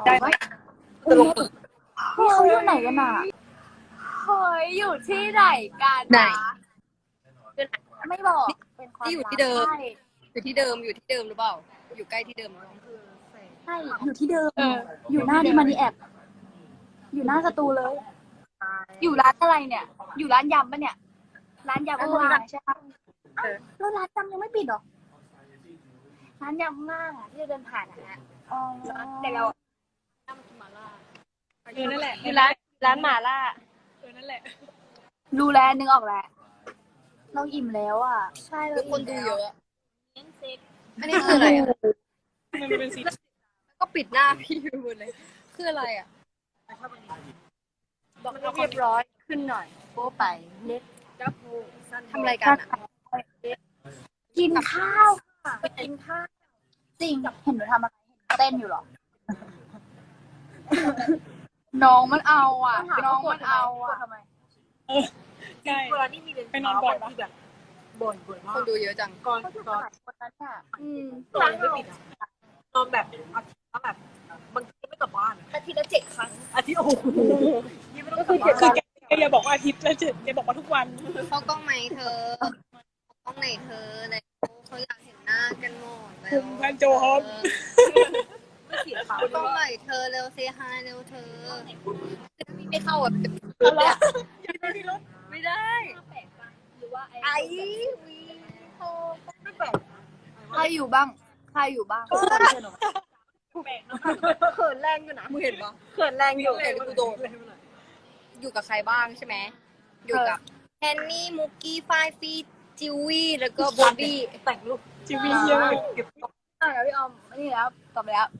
ได้ไหมจะลงฝึกนี่เขาอยู่ไหนกันอ่ะเฮ้ยอยู่ที่ไหนกันไหนไม่บอกเป็นความที่อยู่ลับที่เดิมใช่อยู่ที่เดิมหรือเปล่าอยู่ใกล้ที่เดิมหรือเปล่าใช่อยู่ที่เดิมอยู่หน้าที่มันนี่แอบอยู่หน้าสตูเลยอยู่ร้านอะไรเนี่ย อยู่ร้านยำปะเนี่ย ร้านยำข้างล่างใช่ปะแล้วร้านจำยังไม่ปิดหรอร้านยำข้างล่างอะที่เดินผ่านอะฮะอ๋อแต่เรานั่นแหละอยู่ร้านหม่าล่านั่นแหละรู้แล้วนึกออกแล้วเราอิ่มแล้วอ่ะใช่ทุกคนดูเยอะเน้นเซ็กอันนี้คืออะไรอ่ะมันเป็นสีก็ปิดหน้าพี่ไปหมดเลยคืออะไรอ่ะบอกให้เรียบร้อยขึ้นหน่อยโป้ไปเน็ตดับเบิลทำอะไรกันอ่ะกินข้าวค่ะกินข้าวจริงเห็นหนูทำอะไรเห็นเต้นอยู่หรอน้องมันเอาอ่ะ น้องมันเอาอ่ะทำไมใช่เวลาที่มีเรียนไปนอนบ่อยปะบ่นมาคกนดูเยอะจังก่อนก็คือก่อนหลายคนนั้นอ่ะร้านไม่ปิดอ่ะนอนแบบอาทิตย์ละแบบบางทีไม่กลับบ้านอาทิตย์ละ7 ครั้งอาทิตย์โอ้โหนี่ไม่ต้องกลับบ้านคือแกอย่าบอกว่าอาทิตย์ละเจ็ดแกบอกว่าทุกวันเข้ากล้องไหมเธอเข้ากล้องไหนเธอแล้วเขาอยากเห็นหน้ากันหมดแล้วคุณพันโจฮอปไม่เสียเขาเข้ากล้องไหนเธอเร็วเซฮายเร็วเธอคือถ้ามีไม่เข้าอ่ะ ไม่ได้หรือว่าไอ้วีโฮไม่แปลกใครอยู่บ้างใครอยู่บ้าง เขินแรงอยู่นะมึงเห็นปะเขินแรงอยู่เห็นกูโดนอยู่กับใครบ้างใช่ไหมอยู่กับแฮนนี่มุกกี้ฝ้ายฟีจิววี่แล้วก็โบบี้แต่งรูปจีวีเยอะแล้วพี่ออมนี่แล้วตอบไปแล้ว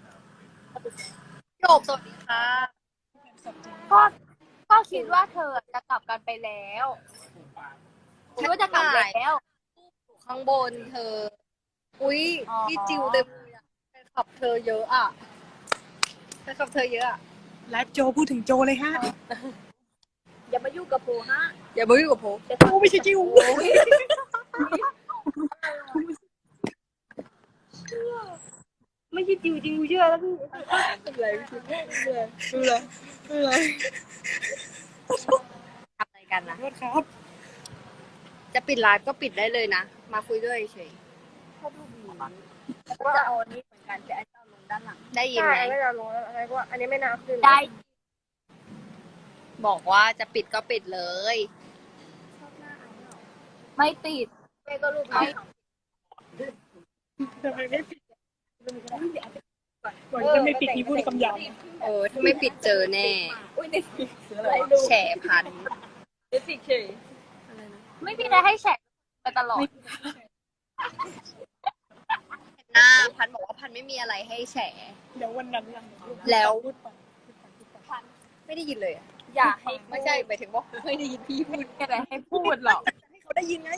จบสวัสดีค่ะก็ก็คิดว่าเธอจะกลับกันไปแล้วคิดว่าจะกลับแล้วข้างบนเธอ อุ้ยอ๋อพี่จิวเต็มเลยอะแฟนคลับเธอเยอะอ่ะแฟนคลับเธอเยอะอ่ะและโจพูดถึงโจเลยฮะอย่ามายุ่งกับโพฮะอย่ามายุ่งกับผมโอ้ไม่ใช่จิวไม่ใช่จิวจริงกูเชื่อแล้วพี่อะไรไม่รู้อะไรทำอะไรกันนะโทษครับจะปิดไลฟ์ก็ปิดได้เลยนะ มาคุยด้วยเฉยชอบรูปนี้ก็จะเอาอันนี้เหมือนกันแต่อันจะเอาลงด้านหลังได้ยินใช่ไหมไม่จะลงแล้วอะไรก็อันนี้ไม่น่าขึ้นได้บอกว่าจะปิดก็ปิดเลยไม่ปิดแม่ก็รูปไม่ทำไมไม่ปิดก่อนจะไม่ปิดนี่พูดคำหยาบถ้าไม่ปิดเจอแน่อุ้ยเด็กแฉพันเด็กสิเคไม่มีอะไรให้แฉกไปตลอดหน้าพันบอกว่าพันไม่มีอะไรให้แฉเดี๋ยววันนั้นล่ะแล้วพูดไปไม่ได้ยินเลยอะอย่าให้ไม่ใช่หมายถึงว่าไม่ได้ยินพี่พูดมีอะไรให้พูดหรอกให้เขาได้ยินไง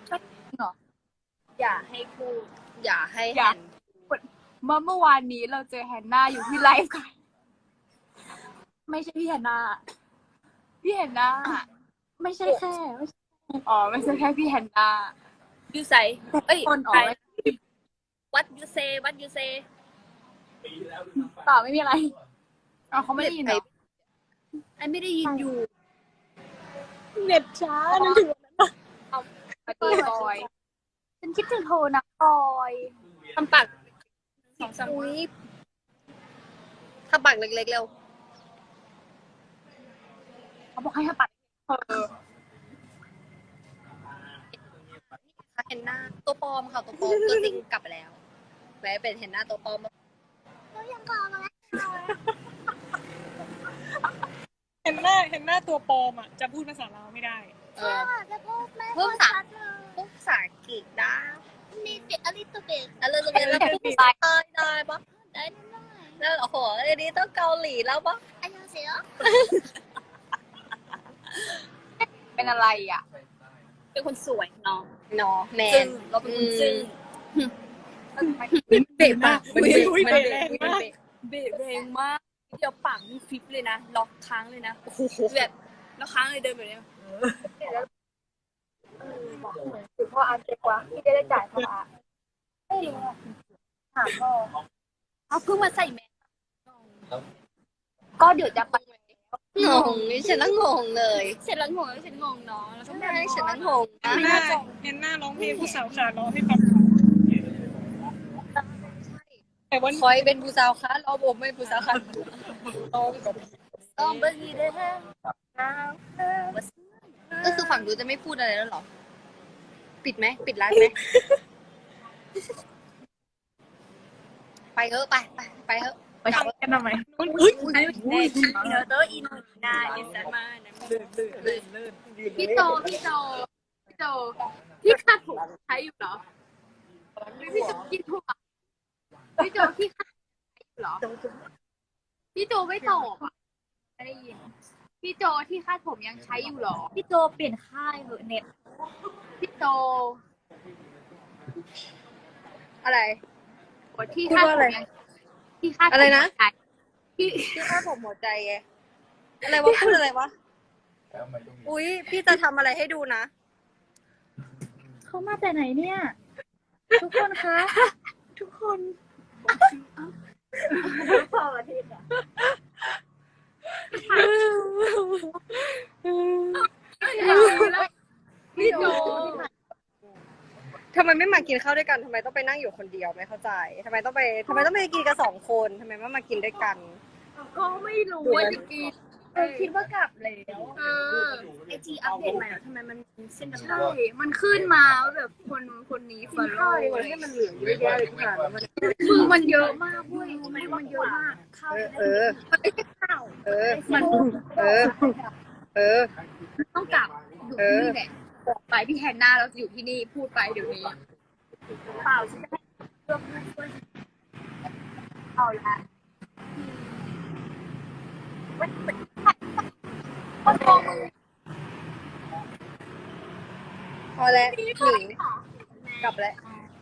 อย่าให้พูดอย่าให้อย่าหันเมื่อวานนี้เราเจอแฮนนาอยู่ที่ไลฟ์กันไม่ใช่พี่แฮนนาพี่แฮนนาไม่ใช่แค่ไม่ใช่อ๋อไม่ใช่แค่พี่แฮนนายูใส่เอ้ยคนอ๋อ what you say what you say เปล่าไม่มีอะไรอ๋อเขาไม่ได้ยินเหรอไอไม่ได้ยินอยู่เน็ตช้านึกถึงมาตีบอยฉันคิดถึงโทรนะบอยทำปากอุ้ยทำปากเล็กๆเร็วเขาบอกให้ทำปัดเห็นหน้าตัวปลอมค่ะตัวปลอมตัวจริงกลับไปแล้วแม้เป็นเห็นหน้าตัวปลอมเห็นหน้าตัวปลอมอ่ะจะพูดภาษาลาวไม่ได้จะพูดแม่เพิ่มภาษาอังกฤษได้มีเด็กอลิตเบกแล้วเราจะเป็นอะไรพูดภาษาไทยได้ปะได้แล้วโอ้โหอันนี้ต้องเกาหลีแล้วปะอันยองเสียเป็นอะไรอ่ะเป็นคนสวยเนาะเนาะแมนเราเป็นคนซึ้งเบะปากมันเบะเบะแรงมากเบะแรงมากเดี๋ยวปากนี่ฟิปเลยนะล็อกค้างเลยนะโอ้โหแบบแล้วค้างเลยเดินแบบนี้ถือพ่ออาร์เจ็บกว่าพี่จะได้จ่ายพ่ออาร์ไม่ดีถามพ่อเอาเพิ่งมาใส่แมสก็เดี๋ยวจะไปงงนี่ฉันละงงเลยเสร็จแล้วงงแล้วฉันงงเนาะแล้วก็ใช่ฉันละงงเห็นหนะน้าเห็นหน้าร้องเพลงผู้สาวขาร้องให้ฟังแต่วันคอยเป็นผู้สาวคะเราผมไม่ผู้สาวคะร้องแบบต้องเบอร์กีเด้อก็คือฝั่งดูจะไม่พูดอะไรแล้วเหรอ ปิดไหมปิดร้านไหม ไปเถอะไปเถอะไปทำกันทำไมเน็ตเนอร์เตอร์อินนาอินสมานะพี่โจพี่คาดผมใช้อยู่เหรอพี่โจกินถั่วพี่โจพี่คาดใช้อยู่เหรอพี่โจไม่ตอบอ่ะไม่ได้ยินพี่โจที่คาดผมยังใช้อยู่เหรอพี่โจเปลี่ยนค่ายเหอะเน็ตพี่โจอะไรที่พูดคาดว่าผอะไรมยังที่คาดผมอะไรนะใช้ที่ที่ข้าผมหัวใจไงอะไรวะพูดอะไรวะ อุ๊ย พี่จะทำอะไรให้ดูนะเขามาแต่ไหนเนี่ย ทุกคนคะ ทุกคนพออาทิตย์อ่ะพี่โจทำไมไม่มากินข้าวด้วยกันทำไมต้องไปนั่งอยู่คนเดียวไม่เข้าใจทำไมต้องไปกินกัน2 คนทำไมไม่มากินด้วยกันก็ไม่รู้ว่าจะกินคิดว่ากลับแล้วไอจีอัปเดตใหม่แล้วทำไมมันเส้นใช่มันขึ้นมาว่าแบบคนนี้ฟอลโล่ให้มันเหลือเยอะแยะเลยทุกอย่างแล้วมันมือมันเยอะมากเว้ยมันเยอะมากข้าวมันไม่ใช่ข้าวมันต้องกลับอยู่ที่นี่แหละบอกไปพี่แฮนนาเราจะอยู่ที่นี่พูดไปเดี๋ยวนี้เปล่าฉันจะให้เลือกผู้ช่วยเอาละคนมองมือพอแล้วหนีกลับแล้ว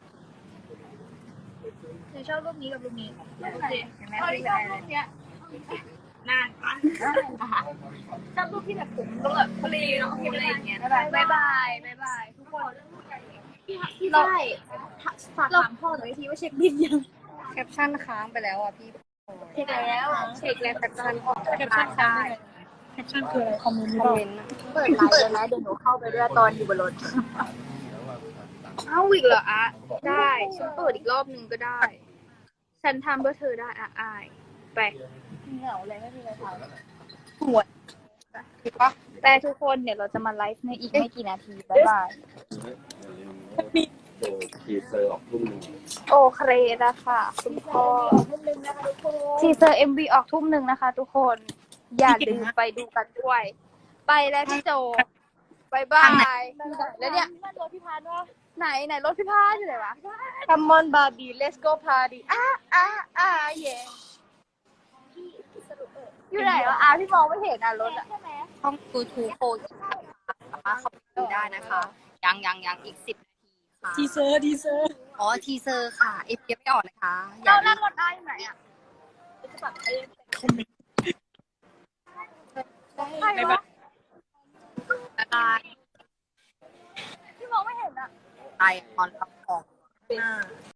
เธอชอบรูปนี้กับรูปนี้โอเคเห็นไหมชอบรูปเนี้ยนานปะชอบรูปที่แบบผมก็แบบทะเลเนาะอะไรอย่างเงี้ยบายบายทุกคนพี่ได้ฝากถามพ่อหน่อยทีว่าเช็คบินยังแคปชั่นค้างไปแล้วอ่ะพี่เช็คแล้วแคปชั่นแคปชั่นได้แคปชั่นคืออะไรคอมเมนต์หรือคอเปมล่าเมนต์นะเปิดไลน์เลยนะเดี๋ยวหนูเข้าไปด้วยตอนอยู่บนรถเอาอีกเหรออะได้ฉันเปิดอีกรอบนึงก็ได้ ฉันทำเพื่อเธอได้อะอายไปเหงาเลยไม่มีอะไรทำหัวถูกปะแต่ทุกคนเดี๋ยวเราจะมาไลฟ์ในอีกไม่กี่นาทีบ๊ายบายดูทีเซอร์ออกทุ่มหนึ่งโอเคนะคะคุณพ่อทีเซอร์ MV ออกทุ่มหนึ่งนะคะทุกคนอย่าลืมไปดูกันด้วย ไปแล้วพี่โจบายบายแล้วเนี่ยรถพิพาทวะไหนรถพิพาทอยู่ไหนวะ Come on Barbie let's go party เย่อยู่ไหนวะพี่มองไม่เห็นรถอะช่อง YouTube โฟนสามารถเข้าไปดูได้นะคะ ยังอีก10 นาทีค่ะทีเซอร์อ๋อทีเซอร์ค่ะเอฟยังไม่ออกนะคะอเราย่าลืนั่งมรถได้อยู่ไหนอะคอมเมนต์ใครวะบายพี่มองไม่เห็นอะไปตอนรับของ